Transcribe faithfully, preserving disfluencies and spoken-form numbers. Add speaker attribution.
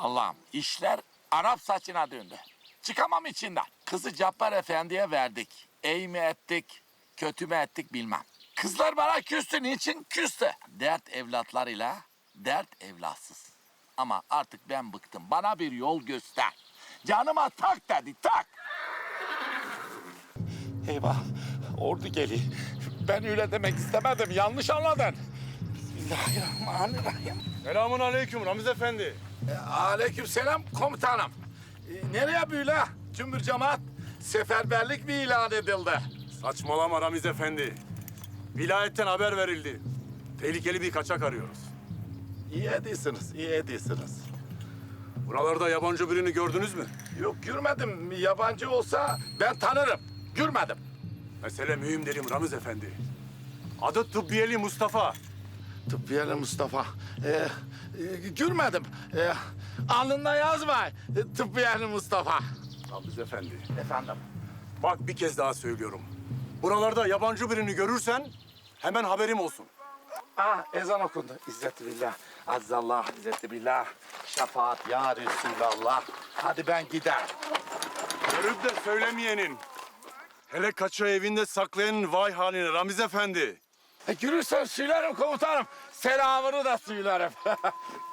Speaker 1: Allah'ım işler Arap saçına döndü. Çıkamam içinden. Kızı Cabbar Efendi'ye verdik. İyi mi ettik, kötü mü ettik bilmem. Kızlar bana küstü. Niçin küstü? Dert evlatlarıyla, dert evlatsız. Ama artık ben bıktım. Bana bir yol göster. Canıma tak dedi, tak. Eyvah, ordu geliyor. Ben öyle demek istemedim, yanlış anladın. Bismillahirrahmanirrahim.
Speaker 2: Selamun aleyküm Ramiz Efendi.
Speaker 1: E, aleykümselam komutanım. E, nereye böyle? Cümbür cemaat seferberlik mi ilan edildi?
Speaker 2: Saçmalama Ramiz Efendi. Vilayetten haber verildi. Tehlikeli bir kaçak arıyoruz.
Speaker 1: İyi ediyorsunuz, iyi ediyorsunuz.
Speaker 2: Buralarda yabancı birini gördünüz mü?
Speaker 1: Yok görmedim. Yabancı olsa ben tanırım. Görmedim.
Speaker 2: Mesele mühim derim Ramiz Efendi. Adı Tıbbiyeli Mustafa.
Speaker 1: Tıbbiyeli Mustafa. Ee, e, görmedim. Ee, alnında yazma. E, Tıbbiyeli Mustafa.
Speaker 2: Ramiz Efendi.
Speaker 1: Efendim.
Speaker 2: Bak bir kez daha söylüyorum. Buralarda yabancı birini görürsen hemen haberim olsun.
Speaker 1: Aa, ezan okundu. İzzeti billah. Azzallah, izzeti billah. Şefaat ya Resulallah. Hadi ben giderim.
Speaker 2: Görüp de söylemeyenin. Hele kaçağı evinde saklayanın vay haline Ramiz Efendi.
Speaker 1: E, görürsen söylerim komutanım. Selamını da söylerim.